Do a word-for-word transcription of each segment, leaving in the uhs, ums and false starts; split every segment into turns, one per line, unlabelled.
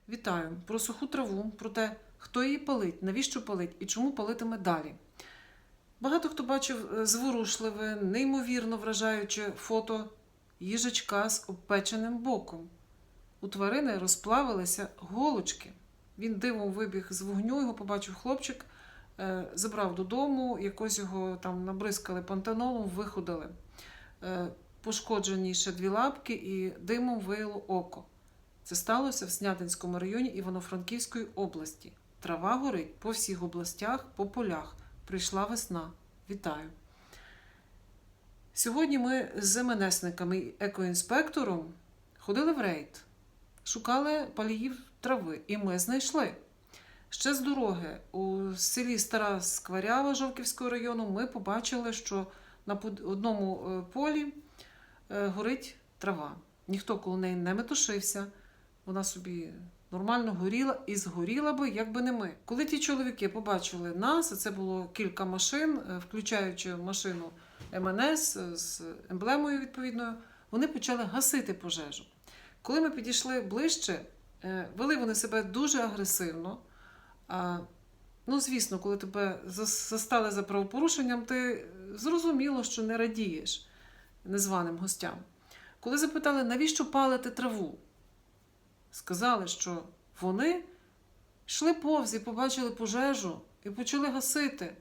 Вітаю! Про суху траву, про те, хто її палить, навіщо палить і чому палитиме далі. Багато хто бачив зворушливе, неймовірно вражаюче фото їжачка з обпеченим боком. У тварини розплавилися голочки. Він дивом вибіг з вогню, його побачив хлопчик, забрав додому, якось його там набризкали пантенолом, виходили. Пошкоджені ще дві лапки і димом вияло око. Це сталося в Снятинському районі Івано-Франківської області. Трава горить по всіх областях, по полях. Прийшла весна. Вітаю! Сьогодні ми з МНСниками і екоінспектором ходили в рейд. Шукали паліїв трави. І ми знайшли. Ще з дороги у селі Стара Скварява Жовківського району ми побачили, що на одному полі горить трава. Ніхто коло неї не метушився. Вона собі нормально горіла і згоріла би, якби не ми. Коли ті чоловіки побачили нас, а це було кілька машин, включаючи машину ем ен ес з емблемою відповідною, вони почали гасити пожежу. Коли ми підійшли ближче, вели вони себе дуже агресивно. Ну, звісно, коли тебе застали за правопорушенням, ти зрозуміло, що не радієш незваним гостям. Коли запитали, навіщо палити траву, сказали, що вони йшли повз і побачили пожежу і почали гасити.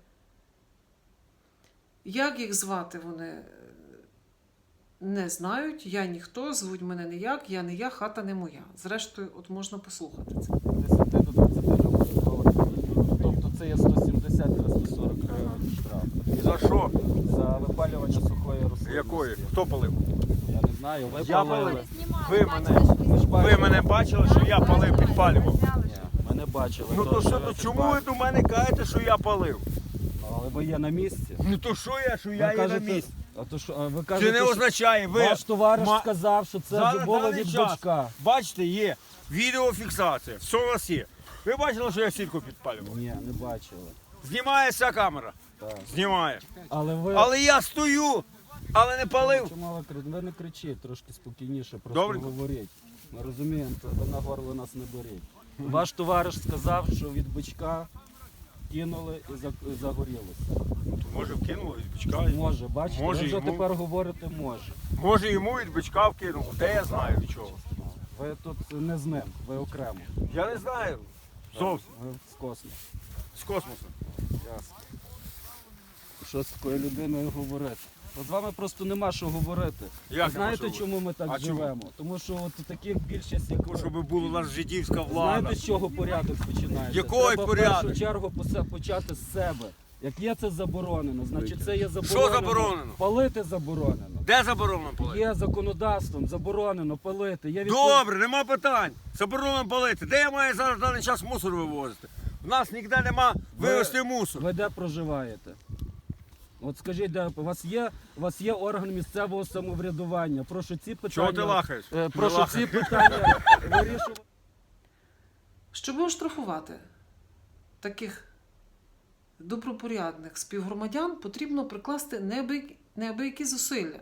Як їх звати, вони не знають, я ніхто, звуть мене ніяк, я не я, хата не моя. Зрештою, от можна послухати це.
десять до двадцяти Тобто це є сто сімдесят - сто сорок гривень штраф.
За що?
За випалювання сухої рослинності.
Якої? Хто палив?
Я не знаю, ви
Я
палили.
палив. Ви мене,
Ви ж
ви
бачили?
мене бачили, що я палив, підпалював?
Ні, ми не бачили.
Ну то
Тож,
що, то чому ви до мене кажете, що я палив?
Але ви є на місці.
Ну то що я, що
Ви
я є на
кажете-
місці?
А то що, а ви
Це
кажете,
не
що
означає, ви...
ваш товариш
ма-
сказав, що це
За
було
даний
від
час,
бочка.
бачите, є відеофіксація, все у нас є. Ви бачили, що я сітку підпалював?
Ні, не бачили.
Знімає ця камера?
Так.
Знімає.
Але ви...
Але я стою, але не палив.
Чому ви кричите? Ви не кричіть, трошки спокійніше, просто
Добренько.
говоріть. Ми розуміємо, то ви на горло нас не беріть. Ваш товариш сказав, що від бичка кинули і за- і загорілося.
Може вкинули від бичка?
Може, бачите,
Може,
ви вже
йому-
тепер говорите може.
Може йому від бичка вкинув, де я знаю від чого.
Ви тут не з ним, ви окремо.
Я не знаю. Зовсім.
Ви з космосу.
З космосу.
Ясно. Що з такою людиною говорити? От з вами просто нема що говорити.
Як
А знаєте,
нема що
чому ми так
А чому?
живемо? Тому що от таких більшість, як ви.
Щоб була у нас жидівська влада.
Знаєте, з чого порядок починається?
Який
Треба
порядок?
в першу чергу посе- почати з себе. Як є це заборонено, значить це є заборонено.
Що заборонено?
Палити заборонено.
Де заборонено палити?
Є законодавством заборонено палити. Є відпов-
Добре, нема питань. Заборонено палити. Де я маю зараз в даний час мусор вивозити? У нас ніде нема вивезти мусор.
Ви де проживаєте? От скажіть, де у вас є, у вас є орган місцевого самоврядування? Прошу ці питання.
Чого ти лахаєш?
Е,
Не
Прошу
лахай.
ці питання вирішувати.
Щоб оштрафувати таких добропорядних співгромадян, потрібно прикласти неабиякі, неабиякі зусилля.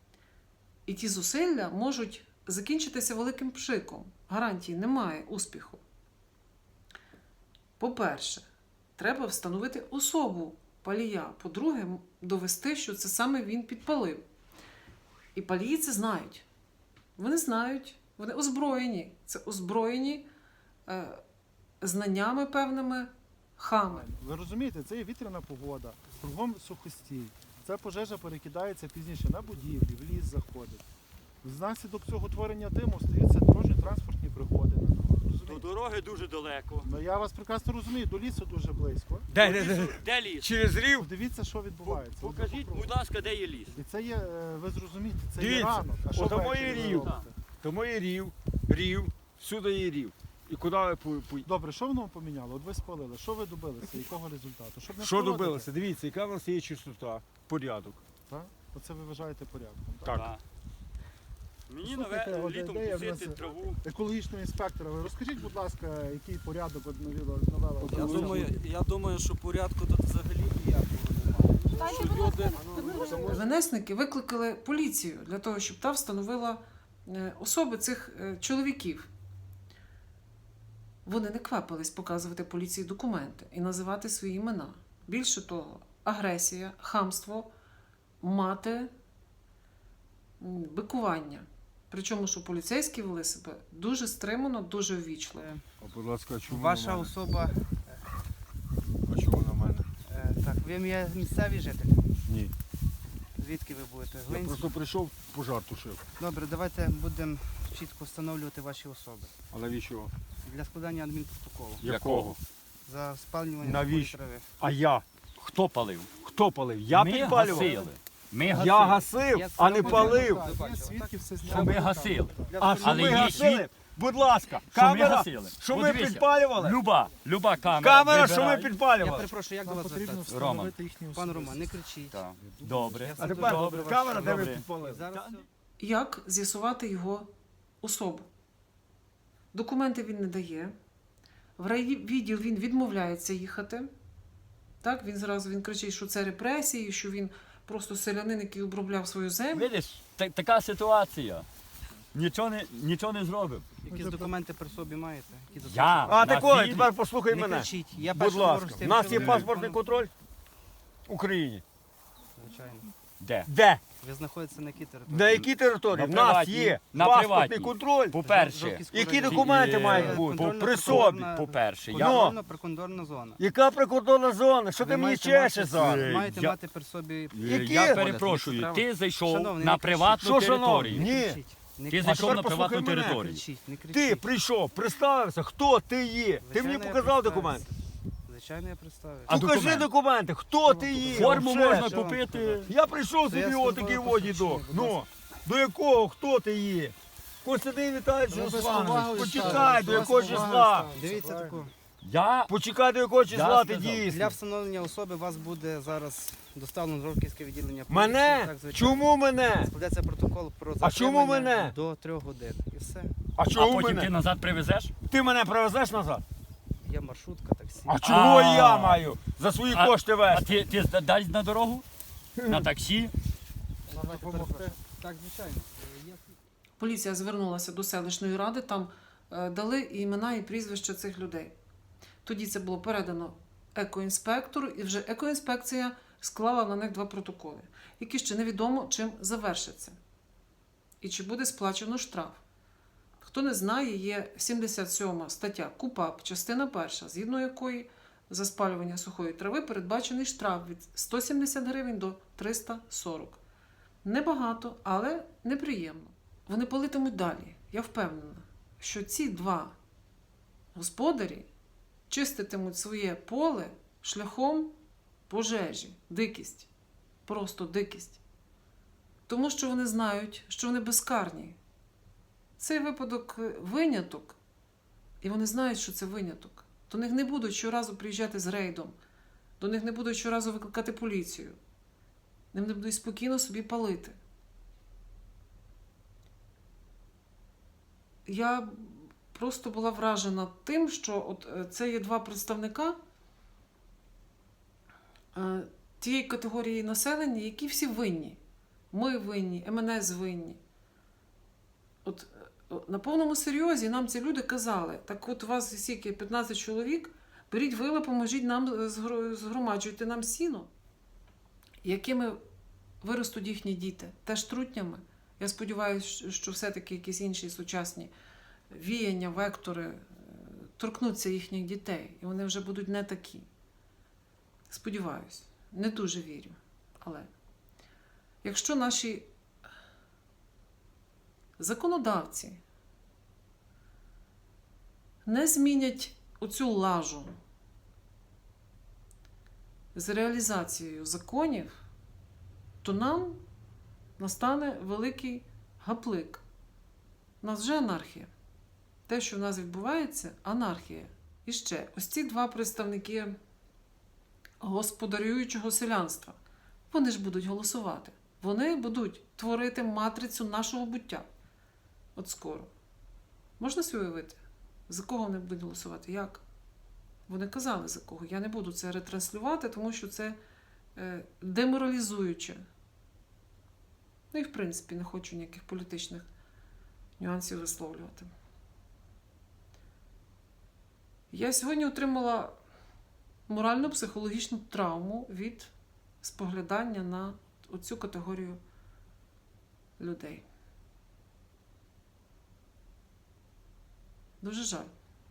І ті зусилля можуть закінчитися великим пшиком. Гарантії немає успіху. По-перше, треба встановити особу палія. По-друге, довести, що це саме він підпалив. І палії це знають. Вони знають, вони озброєні. Це озброєні е, знаннями певними хами.
Ви розумієте, це є вітряна погода, кругом сухостій. Ця пожежа перекидається пізніше на будівлі, в ліс заходить. Внаслідок цього творення диму стаються дорожньо-транспортні пригоди на дорогах.
До
Розумієте?
дороги дуже далеко.
Ну, я вас прекрасно розумію, до лісу дуже близько.
Де, де, де?
Де ліс?
Через рів?
Подивіться, що відбувається. От
Покажіть,
попробуйте.
будь ласка, де є ліс.
І це є, е, ви зрозумієте, це є
Дивіться,
ранок. А що
от там
ввечері
є
ви
рів.
робите?
Тому є рів, рів, всюди є рів. І куди ви пу- пу-
Добре, що воно поміняло? От ви спалили, що ви добилися, якого результату? Щоб не
Що
впровадити,
добилося? Дивіться, яка в нас є чистота, порядок.
Так? Оце ви вважаєте порядком. Так?
Так.
Так. Мені
Слухайте,
наве-
от
літом
ідея в
кусити
нас-
траву.
Екологічного інспектора, ви розкажіть, будь ласка, який порядок от навела навела?
Я думаю, я думаю, що порядку тут взагалі ніякого немає. Що люди...
МНСники викликали поліцію для того, щоб та встановила е, особи цих е, чоловіків. Вони не квапились показувати поліції документи і називати свої імена. Більше того, агресія, хамство, мати, м, бикування. Причому, що поліцейські вели себе дуже стримано, дуже ввічливо.
А, будь ласка, чому
Ваша
на мене?
особа,
А чому на мене?
е, так, ви є місцевий житель?
Ні.
Звідки ви будете?
Я
Глинськ?
просто прийшов, пожар тушив.
Добре, давайте будемо чітко встановлювати ваші особи.
А навіщо?
Для складання адмінпротоколу
Якого?
за спалювання
Навіщо?
сухої трави.
А я?
Хто палив?
Хто палив? Я
ми
підпалював.
гасили. Ми гасили.
Я гасив,
Я
а не
це
палив.
роблю.
Є свідки, все
Що
зняли.
ми гасили.
Для
А що
Але
ми
є
гасили?
світ-
Будь ласка,
Що ми
камера,
гасили.
що ми
Подивися.
підпалювали?
Люба, люба камера.
Камера, що ми
вибирай.
Я
підпалювали?
перепрошую, як до
Нам
вас
потрібно
звертатися?
встановити їхні особи.
Пан Роман, не кричіть.
Так. Добре.
Я
А
це
тепер
добре,
камера, де ви
Добре.
підпалили?
Зараз
Як з'ясувати його особу? Документи він не дає. В райвідділ він відмовляється їхати. Так, він зразу він кричить, що це репресії, що він просто селянин, який обробляв свою землю.
Видиш, та- така ситуація. Нічого не, нічого не зробив.
якісь документи при собі маєте? Які
Я.
засвідчують?
А
На
такої,
фільмі.
тепер послухай
Не
мене.
кричіть. Я
Будь
перше говорю
ласка,
з
у
тим,
нас
що
є
ви-
паспортний контроль в Україні.
Звичайно.
Де?
Де?
Ви знаходитеся на якій території?
На якій території?
На
В нас
приватній.
є
На
паспортний
приватній.
контроль.
По-перше,
Жовківського
Які
району.
документи
Е,
мають бути?
контрольна
При собі.
прикордонна-
по-перше, я
Ну.
Контрольна прикордонна зона.
Яка прикордонна зона? Що
Ви
ти мені
маєте
чешеш
мати-
зараз?
Маєте
Я-
мати при собі...
Які?
я перепрошую,
Треба-
ти зайшов
Шановний,
на
не кричіть.
приватну
Що, шановний?
територію.
Ні.
Не кричіть. Не
Ти
кричіть.
зайшов
тепер
на
послухай
приватну
мене.
Не
територію.
кричіть, не кричіть.
Ти прийшов, представився, хто ти є. Ти
Звичайно,
мені
я
показав
представився.
документи.
Звичайно, я представив.
А
Покажи
документи?
документи, хто ти є.
Форму
Вже
можна
ж.
що вам
купити.
показати?
Я прийшов
Це я
собі
службове
отакий
посвідчення,
водідок.
будь
Ну,
ласка.
до якого, хто ти є? Костянтин Віталійович
Ви без
Русланович,
поваги
почекай,
ставите,
до
вас
якого
поваги
числа?
ставите.
Дивіться
Правильно.
таку.
Я
Почекай, до якого числа ти
сказав.
Для
дійсний.
встановлення особи вас буде зараз доставлено в Жовківське відділення поліції.
Мене?
Так, звичайно.
Чому мене?
Складеться протокол про
А чому
затримання
мене?
до трьох годин. І все.
А
а
чому
потім ти
мене?
назад привезеш?
Ти мене привезеш назад?
Є маршрутка, таксі.
А чого
А.
я маю за свої
А-
кошти
А
вести?
ти, ти дасть на дорогу? На таксі?
Допомогти.
Так, звичайно.
Поліція звернулася до селищної ради, там е, дали імена і прізвища цих людей. Тоді це було передано екоінспектору, і вже екоінспекція склала на них два протоколи, які ще невідомо чим завершаться. І чи буде сплачено штраф. Хто не знає, є сімдесят сьома стаття КУпАП, частина перша, згідно якої за спалювання сухої трави передбачений штраф від сто сімдесят гривень до триста сорок. Небагато, але неприємно. Вони палитимуть далі. Я впевнена, що ці два господарі чиститимуть своє поле шляхом пожежі, дикість. Просто дикість. Тому що вони знають, що вони безкарні. Цей випадок е, виняток, і вони знають, що це виняток. До них не будуть щоразу приїжджати з рейдом, до них не будуть щоразу викликати поліцію. Вони будуть спокійно собі палити. Я просто була вражена тим, що от е, це є два представника е, тієї категорії населення, які всі винні. Ми винні, ем ен ес винні. От е, на повному серйозі нам ці люди казали, так от у вас скільки, п'ятнадцять чоловік, беріть вила, поможіть нам, е, згро- згромаджуйте нам сіно. Якими виростуть їхні діти? Теж трутнями. Я сподіваюся, що все-таки якісь інші сучасні віяння, вектори е, торкнуться їхніх дітей, і вони вже будуть не такі. Сподіваюсь, не дуже вірю. Але якщо наші законодавці не змінять оцю лажу з реалізацією законів, то нам настане великий гаплик. У нас вже анархія. Те, що в нас відбувається, анархія. І ще, ось ці два представники господарюючого селянства, вони ж будуть голосувати. Вони будуть творити матрицю нашого буття. От скоро. Можна собі уявити? За кого вони будуть голосувати? Як? Вони казали, за кого. Я не буду це ретранслювати, тому що це е, деморалізуюче. Ну і, в принципі, не хочу ніяких політичних нюансів висловлювати. Я сьогодні отримала морально-психологічну травму від споглядання на оцю категорію людей. Дуже жаль.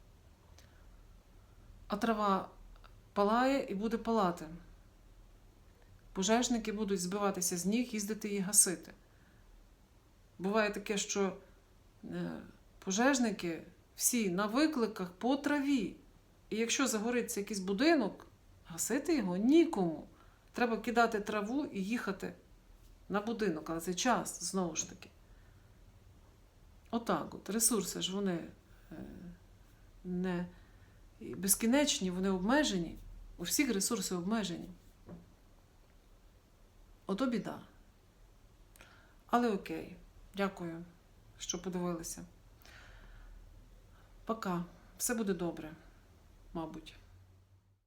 А трава палає і буде палати. Пожежники будуть збиватися з ніг, їздити і гасити. Буває таке, що е, пожежники всі на викликах по траві. І якщо загориться якийсь будинок, гасити його нікому. Треба кидати траву і їхати на будинок, але це час, знову ж таки. Отак от. Ресурси ж вони е, не безкінечні, вони обмежені. У всіх ресурси обмежені. Ото біда. Але окей. Дякую, що подивилися. Пока. Все буде добре, мабуть.